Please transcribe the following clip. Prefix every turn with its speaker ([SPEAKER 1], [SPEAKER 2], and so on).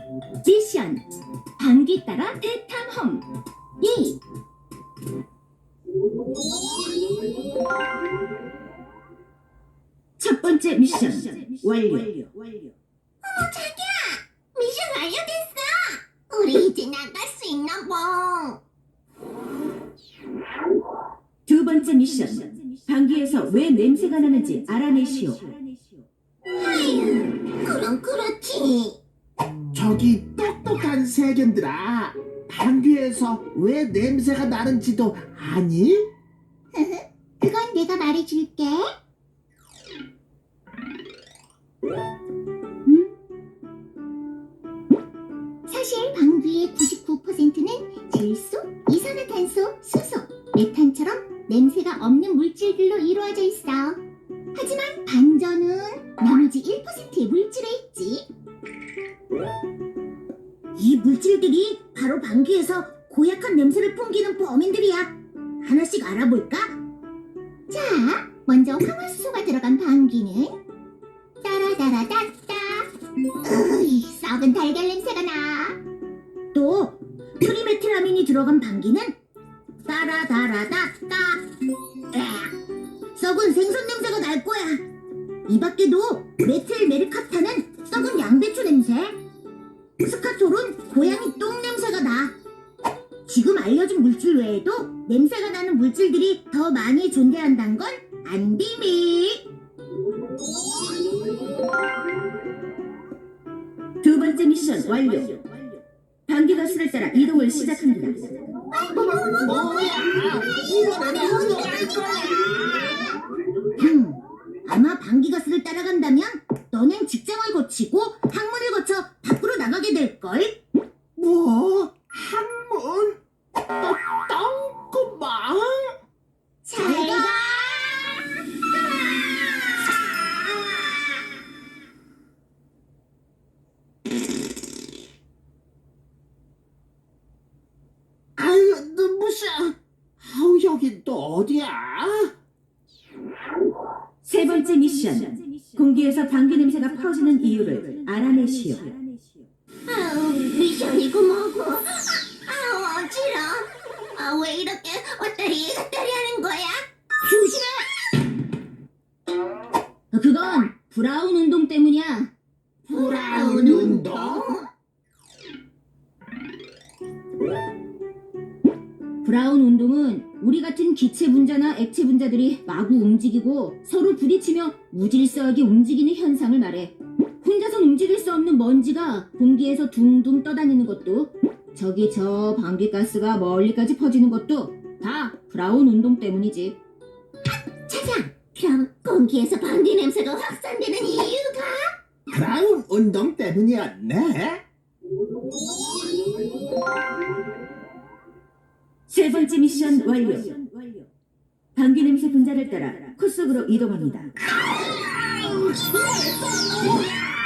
[SPEAKER 1] 미션 방귀 따라 대탐험 2. 첫 번째 미션 완료.
[SPEAKER 2] 자기야, 미션 완료됐어. 우리 이제 나갈 수 있나 봐.
[SPEAKER 1] 두 번째 미션 방귀에서 왜 냄새가 나는지 알아내시오.
[SPEAKER 2] 아유, 그럼 그렇지.
[SPEAKER 3] 저기 똑똑한 세견들아, 방귀에서 왜 냄새가 나는지도 아니?
[SPEAKER 2] 그건 내가 말해줄게. 사실 방귀의 99%는 질소, 이산화탄소, 수소, 메탄처럼 냄새가 없는 물질들로 이루어져 있어. 하지만 반전은 나머지 1%의 물질에 있지. 이 물질들이 바로 방귀에서 고약한 냄새를 풍기는 범인들이야. 하나씩 알아볼까? 자, 먼저 황화수소가 들어간 방귀는 따라다라다따. 으이, 썩은 달걀 냄새가 나. 또 트리메틸아민이 들어간 방귀는 따라다라다따. 썩은 생선 냄새가 날 거야. 이 밖에도 메틸 메르카타는 썩은 양배추 냄새, 스카톨은 고양이 똥 냄새가 나. 지금 알려준 물질 외에도 냄새가 나는 물질들이 더 많이 존재한다는 건 안 비밀.
[SPEAKER 1] 두 번째 미션 완료. 방귀가스를 따라 이동을 시작합니다.
[SPEAKER 2] 아마 방귀가스를 따라간다면 너넨 직장을 거치고 항문을 거쳐 밖으로 나가게 될걸?
[SPEAKER 3] 뭐? 항문? 똥구멍?
[SPEAKER 2] 잘 가!
[SPEAKER 3] 아유, 눈부셔. 아우, 여긴 또 어디야?
[SPEAKER 1] 세 번째 미션 공기에서 방귀 냄새가 퍼지는 이유를 알아내시오.
[SPEAKER 2] 아우, 미션이고 뭐고. 아우, 어지러. 아, 왜 이렇게 왔다리 갔다리 하는 거야? 조심해!
[SPEAKER 1] 그건 브라운 운동 때문이야.
[SPEAKER 3] 브라운 운동?
[SPEAKER 1] 브라운 운동은 우리 같은 기체 분자나 액체 분자들이 마구 움직이고 서로 부딪히며 무질서하게 움직이는 현상을 말해. 혼자선 움직일 수 없는 먼지가 공기에서 둥둥 떠다니는 것도, 저기 저 방귀가스가 멀리까지 퍼지는 것도 다 브라운 운동 때문이지.
[SPEAKER 2] 차장, 그럼 공기에서 방귀 냄새가 확산되는 이유가?
[SPEAKER 3] 브라운 운동 때문이었네?
[SPEAKER 1] 세 번째 미션 완료. 방귀 냄새 분자를 따라 코 속으로 이동합니다.
[SPEAKER 2] 이게 뭐야?